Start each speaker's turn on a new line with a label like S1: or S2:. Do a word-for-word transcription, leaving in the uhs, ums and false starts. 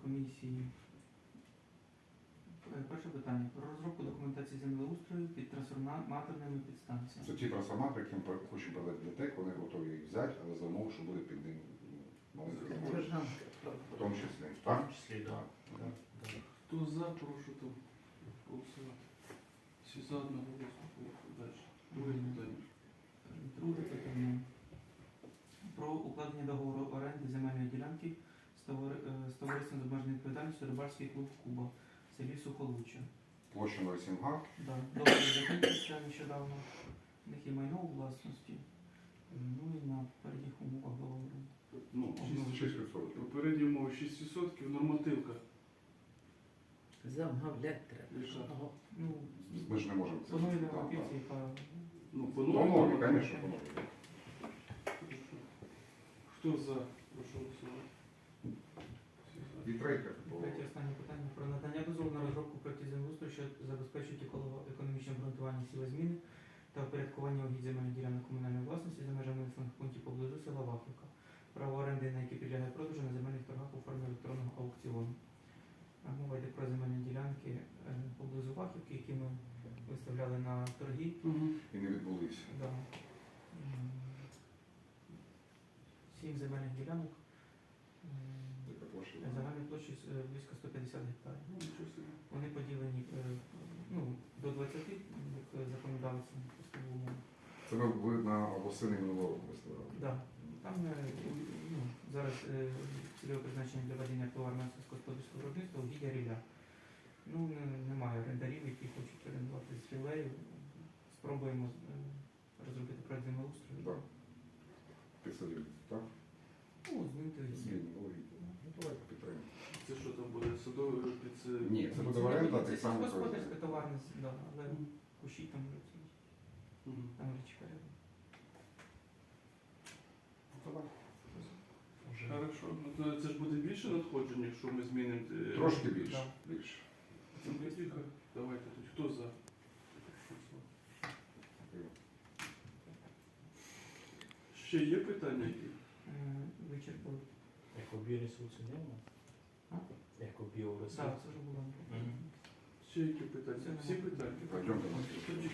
S1: комісії. Е, Перше питання. Про розробку документації землеустрою під трансформаторними підстанціями.
S2: Це ті трансформатори, які ми хочемо продати для ТЕК, вони готові їх взяти, але за умови, що буде під ним маленький кошт. В тому числі.
S3: В
S2: Так?
S3: тому числі, так.
S2: Так.
S4: Хто за, прошу там голосувати. Всі за одноголосно. Далі. Друге питання.
S1: Друге питання. Про укладення договору оренди земельної ділянки з товари- е, з товариством з обмеженою відповідальністю Рибальський клуб Куба в селі Сухолуччя.
S2: Площа ноль сім га.
S1: Да, договір закінчився нещодавно. У них є майно у власності. Ну і на передніх умовах договору.
S4: Ну,
S2: шість відсотків.
S4: попередні умови шість відсотків, нормативка.
S5: Замовляти треба.
S4: Яка?
S1: Ага. Ну,
S2: Ми ж не можемо це.
S1: планує
S2: Так,
S1: нормативці,
S2: так.
S1: яка
S4: Ну, по
S2: По
S4: новій
S2: нові,
S4: нормативці.
S2: звісно, по нові.
S4: Хто за, прошу голосувати. Всі за.
S2: І третє.
S1: третє останнє питання про надання дозволу на розробку проєктів землеустрою, що забезпечують економічне обґрунтування сілозміни та впорядкування угідь земельних ділянок комунальної власності за межами населених пунктів поблизу села Вафлика. Право оренди, на які підлягає продажу на земельних торгах у формі електронного аукціону. А мова йде про земельні ділянки е, поблизу Вафлики, які ми виставляли на торги.
S2: І не відбулися.
S1: Да. М, Сім земельних ділянок. М,
S2: Яка площа?
S1: Загальною площею е, близько сто п'ятдесят гектарів.
S4: Ну, нічого собі.
S1: Вони поділені е, ну, до двадцяти, як законодавцем поставили.
S2: Це ви, ви на восени минулого року виставляли.
S1: Да. Там е, ну, зараз е, цільове призначення для ведення товарного сільськогосподарського виробництва угіддя рілля. Ну, не- немає орендарів, які хочуть орендувати з рілею. Спробуємо е, розробити проект землеустрою.
S2: Так. Підсадів, так?
S1: Ну, змінити.
S2: Зміни, логіка. Ну, давайте підтримаємо.
S4: Це що там буде? Садовий під це?
S2: Ні, це буде оренда,
S1: Це
S2: так само.
S1: сільськогосподарське товарне, да, але
S4: Мгм.
S1: кущі там вже ці,
S4: Мгм.
S1: там річка рядом.
S4: Хорошо. Ну, то це ж буде більше надходжень, якщо ми змінимо. е,
S2: Трошки більше.
S1: Да.
S2: Більше.
S4: Це буде тихо. Давайте тут. Хто за? Ще є питання які?
S1: Е, Вичерпали.
S3: Екобіоресурси нема?
S1: А?
S3: Екобіоресурси.
S1: Так, це вже було.
S3: Мгм.
S4: Ще які питання? Всі питання?
S2: Пойдемте.
S4: Тоді